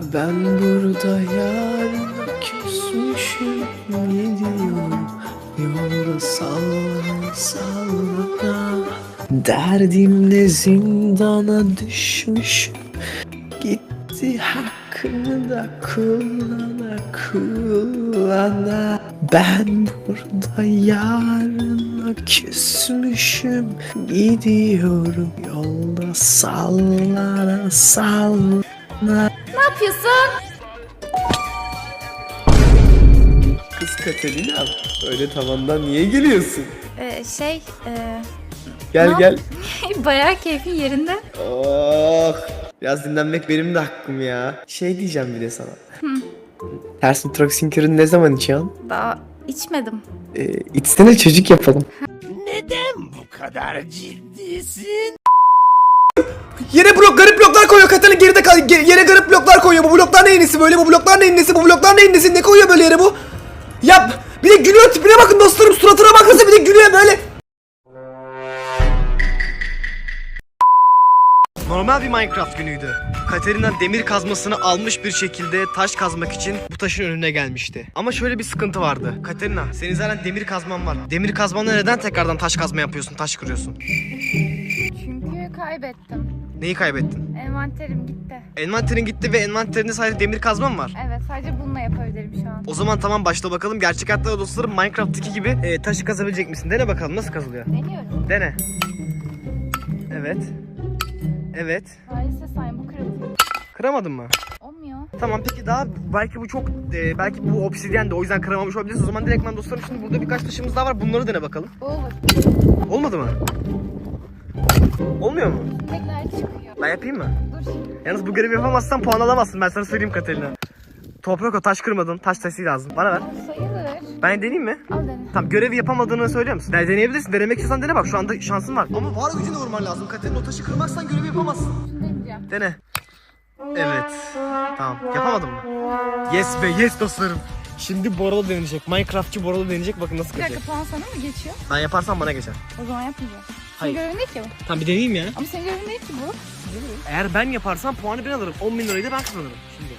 Ben burada yarına küsmüşüm, gidiyorum yolda sallana sallana. Derdimle zindana düşmüşüm, gitti hakkını da kullana kullana. Ben burada yarına küsmüşüm, gidiyorum yolda sallana sallana. Ne yapıyorsun? Kız Katerina, öyle tavandan niye geliyorsun? Şey, Gel gel. bayağı keyfin yerinde. Oh, biraz dinlenmek benim de hakkım ya. Şey diyeceğim bir de sana. Ters nitroksin kürünü ne zaman içiyorsun? Daha içmedim. İçsene, çocuk yapalım. Neden bu kadar ciddisin? Yere garip bloklar koyuyor Katerina, geride kal. Yere garip bloklar koyuyor. Bu bloklar neyin nesi böyle? Bu bloklar neyin nesi? Bu bloklar neyin nesi? Ne koyuyor böyle yere bu? Yap. Bir de gülüyor, tipine bakın dostlarım, suratına bakınsa bir de gülüyor böyle. Normal bir Minecraft günüydü. Katerina demir kazmasını almış bir şekilde taş kazmak için bu taşın önüne gelmişti. Ama şöyle bir sıkıntı vardı. Katerina, senin zaten demir kazman var. Demir kazmanla neden tekrardan taş kazma yapıyorsun, taş kırıyorsun? Çünkü kaybettim. Neyi kaybettin? Envanterim gitti. Envanterin gitti ve envanterinde sadece demir kazman var. Evet, sadece bununla yapabilirim şu an. O zaman tamam, başla bakalım. Gerçek hayatta dostlarım, Minecraft'taki gibi taşı kazabilecek misin? Dene bakalım nasıl kazılıyor. Deniyorum. Dene. Evet. Evet. Maalesef sayın bu kırıldı. Kıramadın mı? Olmuyor. Tamam, peki daha belki bu çok belki bu obsidyen de o yüzden kıramamış olabiliriz. O zaman direktman dostlarım, şimdi burada birkaç taşımız daha var. Bunları dene bakalım. Olur. Olmadı mı? Olmuyor mu? Tekrar çıkıyor. Ben yapayım mı? Dur şimdi. Yalnız bu görevi yapamazsan puan alamazsın. Ben sana söyleyeyim Katerina. Toprak o, taş kırmadın. Taş taşı lazım. Bana ver. Sayılır. Ben deneyeyim mi? Al dene. Tamam, görevi yapamadığını söylüyor musun? Yani deneyebilirsin. Denemek istiyorsan dene bak. Şu anda şansın var. Ama var gücünü vurman lazım. Katerina, o taşı kırmazsan görevi yapamazsın. Şunu deneyeceğim. Dene. Evet. Tamam. Yapamadın mı? Yes be, yes dostlarım. Şimdi Boralo deneyecek. Minecraftçı Boralo deneyecek. Bakın nasıl Bir dakika, kıracak. puan sana mı geçiyor? Ben yaparsam bana geçer. O zaman yapmayacağım. Hayır. Senin görevin değil ki bu. Tamam, bir deneyeyim ya. Ama senin görevin değil ki bu. Eğer ben yaparsam puanı ben alırım. 10.000 lirayı da ben kazanırım. Şimdi.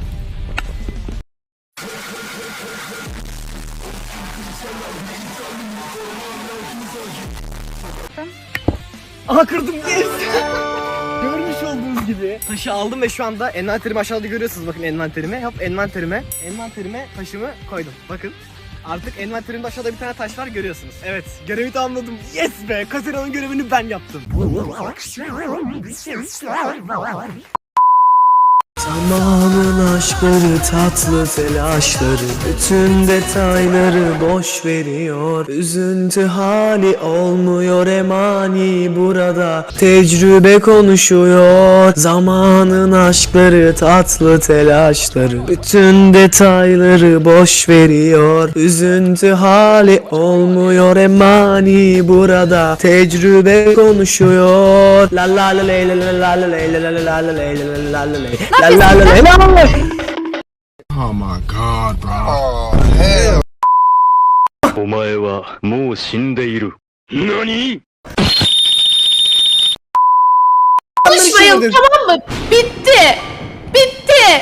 Aha, kırdım, yes! Görmüş olduğunuz gibi taşı aldım ve şu anda envanterimi aşağıda görüyorsunuz. Bakın envanterime. Hop, envanterime taşımı koydum. Bakın. Artık envanterimde aşağıda bir tane taş var, görüyorsunuz. Evet, görevi tamamladım. Yes be! Katerina'nın görevini ben yaptım. Zamanın aşkları, tatlı telaşları, bütün detayları boş veriyor. Üzüntü hali olmuyor emani burada, tecrübe konuşuyor. Zamanın aşkları, tatlı telaşları, bütün detayları boş veriyor. Üzüntü hali olmuyor emani burada, tecrübe konuşuyor. La la la la la la la la la la la la la la. Oh my god, bro. お前はもう死んでいる。何？ Konuşmayalım, tamam mı? Bitti. Bitti.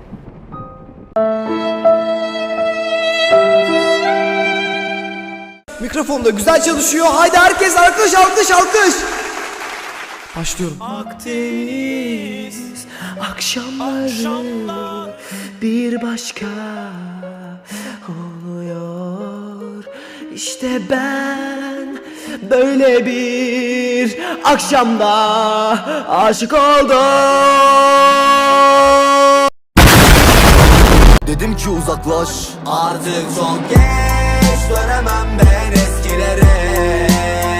Mikrofon da güzel çalışıyor. Haydi herkes alkış alkış alkış. Başlıyorum. Akdeniz akşamları bir başka oluyor. İşte ben böyle bir akşamda aşık oldum. Dedim ki uzaklaş, artık çok geç, dönemem ben eskilere.